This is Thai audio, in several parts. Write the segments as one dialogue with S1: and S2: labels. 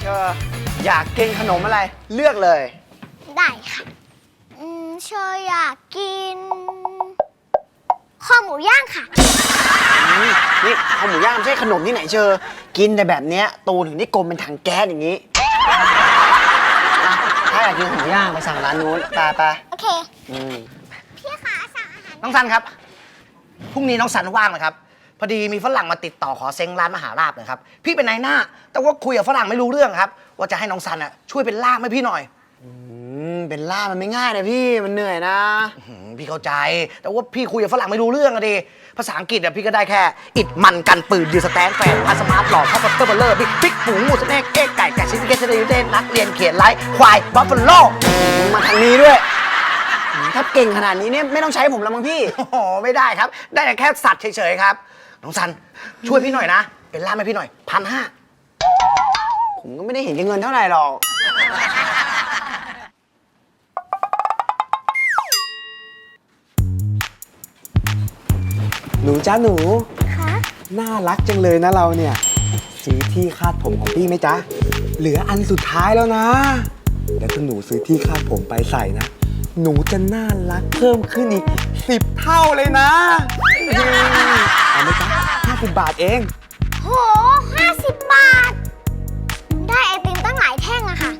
S1: เชออยากกินขนมอะไรเลือกเลย
S2: ได้ค่ะเชออยากกินข้าวหมูย่างค่ะ
S1: นี่ข้าวหมูย่างไม่ใช่ขนมที่ไหนเชอกินแต่แบบเนี้ยตูถึงได้กลมเป็นถังแก๊สอย่างนี้ถ้าอยากกินข้าวหมูย่างไปสั่งร้านนู้นไป
S2: โอเค พี่คะสั่งอาหาร
S3: น้องซันครับ พรุ่งนี้น้องซันว่างไหมครับ พอดีมีฝรั่งมาติดต่อขอเซ้งร้านมหาลาภนะครับ พี่เป็นนายหน้า แต่ว่าคุยกับฝรั่งไม่รู้เรื่องครับ ว่าจะให้น้องซันช่วยเป็นล่ามให้พี่หน่อย
S1: เป็นล่ามมันไม่ง่ายนะพี่มันเหนื่อยนะ
S3: พี่เข้าใจ แต่ว่าพี่คุยกับฝรั่งไม่รู้เรื่องอะดิภาษาอังกฤษพี่ก็ได้แค่ อิดมันกันปืนดีสแตนแฟนพาสมาร์ทหล่อข้าวปัตเตอร์เบลเลอร์บิ๊กพริกหมูหมูสเต็กเอ็กไก่ชิคเก้นเชดเดนนักเรียนเขียนไลฟ์ควายบัฟฟาโล
S1: มาทางนี้ด้วยถ้าเก่งขนาดนี้เนี่ยไม่ต้องใช้ผมแล้วมั้งพี่
S3: โอ้โหไม่ได้ครับ ได้แต่แค่สัตว์เฉยๆครับ น้องซันช่วยพี่หน่อยนะ เป็นล่ามให้พี่หน่อย1,500
S1: ผมก็ไม่ได้เห็นเงินเท่าไหร่หรอกหนูจ้าหนู
S2: คะ
S1: น่ารักจังเลยนะเราเนี่ยซื้อที่คาดผมของพี่ไหมจ๊ะเหลืออันสุดท้ายแล้วนะแล้วถ้าหนูซื้อที่คาดผมไปใส่นะหนูจะน่ารักเพิ่มขึ้นอีก10 เท่าเลยนะเอาไหมจ๊ะ50 บาทเอง
S2: โห50 บาท ได้ไอติมตั้งหลายแท่งอะค่ะ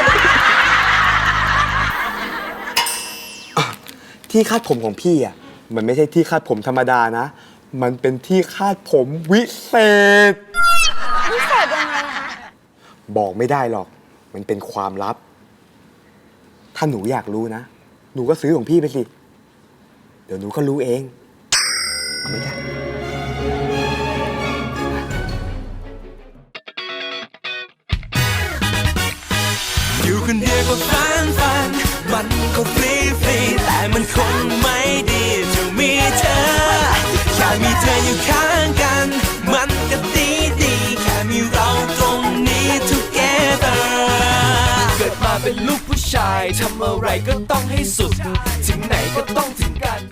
S1: ที่คาดผมของพี่อ่ะมันไม่ใช่ที่คาดผมธรรมดานะมันเป็นที่คาดผมวิเศษ
S2: พิเศษยังไงคะ
S1: บอกไม่ได้หรอกมันเป็นความลับ ถ้าหนูอยากรู้นะหนูก็ซื้อของพี่ไปสิเดี๋ยวหนูก็รู้เองเอาไหมจ๊ะ
S4: อยู่คนเดียวก็ฝันมันก็ฟรีแต่มันคงไม่ดีจะมีเธอแค่มีเธออยู่ข้างกันมันก็ดีแค่มีเราตรงนี้ together เกิดมาเป็นลูกผู้ชายทำอะไรก็ต้องให้สุดถึงไหนก็ต้องถึงกัน